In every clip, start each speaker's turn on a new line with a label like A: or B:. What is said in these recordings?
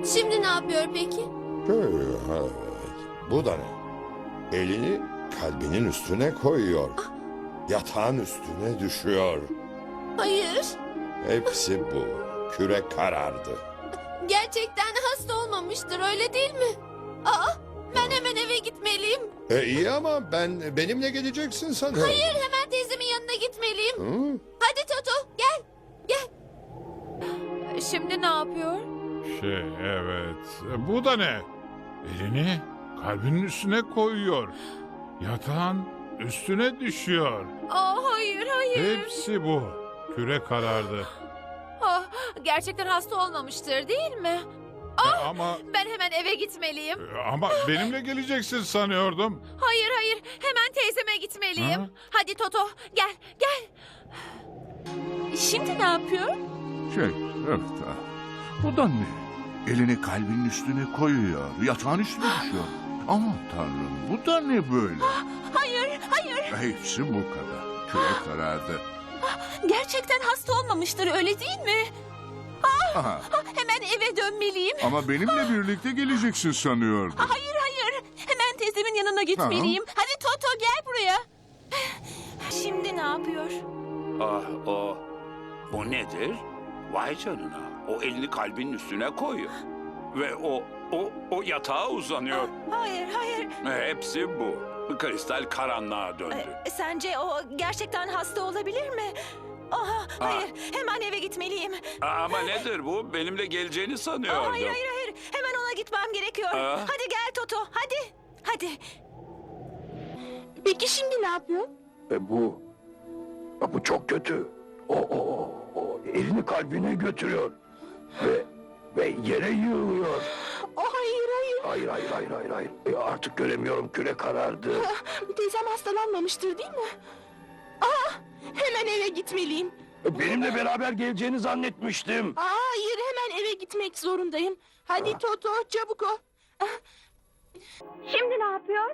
A: Şimdi ne yapıyor peki?
B: Evet. Bu da ne? Elini kalbinin üstüne koyuyor. Yatağın üstüne düşüyor.
A: Hayır.
B: Hepsi bu. Küre karardı.
A: Gerçekten hasta olmamıştır, öyle değil mi? Ben hemen eve gitmeliyim.
B: İyi ama benimle geleceksin sanırım.
A: Hayır, hemen teyzemin yanına gitmeliyim.
B: Hı?
A: Hadi Toto, gel. Gel.
C: Şimdi ne yapıyor?
D: Evet. Bu da ne? Elini kalbinin üstüne koyuyor. Yatağın üstüne düşüyor.
C: Hayır, hayır.
D: Hepsi bu. Küre karardı.
C: Gerçekten hasta olmamıştır değil mi?
D: Ama
C: Ben hemen eve gitmeliyim.
D: benimle geleceksin sanıyordum.
C: Hayır, hayır. Hemen teyzeme gitmeliyim.
D: Ha?
C: Hadi Toto, gel, gel. Şimdi ne yapıyor?
E: Evet. Bu da ne? Elini kalbinin üstüne koyuyor. Yatağın üstüne düşüyor. Aman tanrım, bu da ne böyle?
C: Hayır, hayır.
E: Hepsi bu kadar. Küre karardı.
C: Gerçekten hasta olmamıştır, öyle değil mi?
E: Aha,
C: Hemen eve dönmeliyim.
E: ama benimle birlikte geleceksin sanıyordum.
C: Hayır, hayır. Hemen teyzemin yanına gitmeliyim. Hadi Toto, gel buraya. Şimdi ne yapıyor?
F: Bu nedir? Vay canına. O elini kalbinin üstüne koyuyor. Ve o yatağa uzanıyor.
C: Hayır, hayır.
F: Hepsi bu. Kristal karanlığa döndü.
C: Sence o gerçekten hasta olabilir mi? Hayır, hemen eve gitmeliyim.
F: Ama nedir bu? Benimle geleceğini sanıyordum.
C: Hayır, hayır, hayır. Hemen ona gitmem gerekiyor. Hadi gel Toto, hadi. Hadi.
A: Peki şimdi ne yapıyor?
G: Bu çok kötü. O elini kalbine götürüyor. Ve yere yığılıyor.
A: Hayır, hayır.
G: Hayır. Artık göremiyorum, küre karardı.
A: Teyzem hastalanmamıştır değil mi? Hemen eve gitmeliyim.
G: Benimle beraber geleceğini zannetmiştim.
A: Hayır, hemen eve gitmek zorundayım. Hadi Toto, çabuk ol. Şimdi ne yapıyor?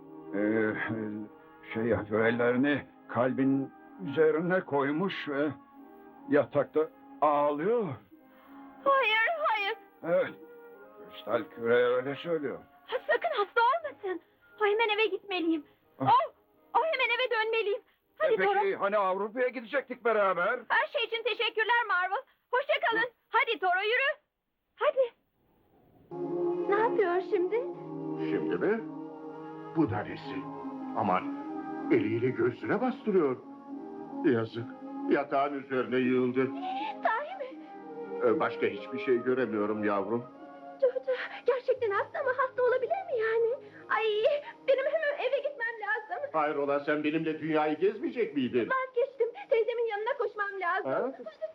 H: Ellerini kalbin üzerine koymuş ve yatakta ağlıyor.
A: Hayır, hayır.
H: Evet, kristal küre öyle söylüyor.
A: Sakın hasta olmasın. Hemen eve gitmeliyim. Hemen eve dönmeliyim. Hadi Dora.
H: Peki hani Avrupa'ya gidecektik beraber?
A: Her şey için teşekkürler Marvel. Hoşça kalın. Hadi Dora, yürü. Hadi. Ne yapıyor şimdi?
I: Şimdi mi? Bu da nesi? Aman, eliyle göğsüne bastırıyor. Yazık, yatağın üzerine yığıldı.
A: Sahi mi?
I: Başka hiçbir şey göremiyorum yavrum.
A: Toto, gerçekten hasta mı? Hasta olabilir mi yani? Ay, benim hemen eve gitmem lazım.
I: Hayrola, sen benimle dünyayı gezmeyecek miydin?
A: Vazgeçtim. Teyzemin yanına koşmam lazım.
I: Ha?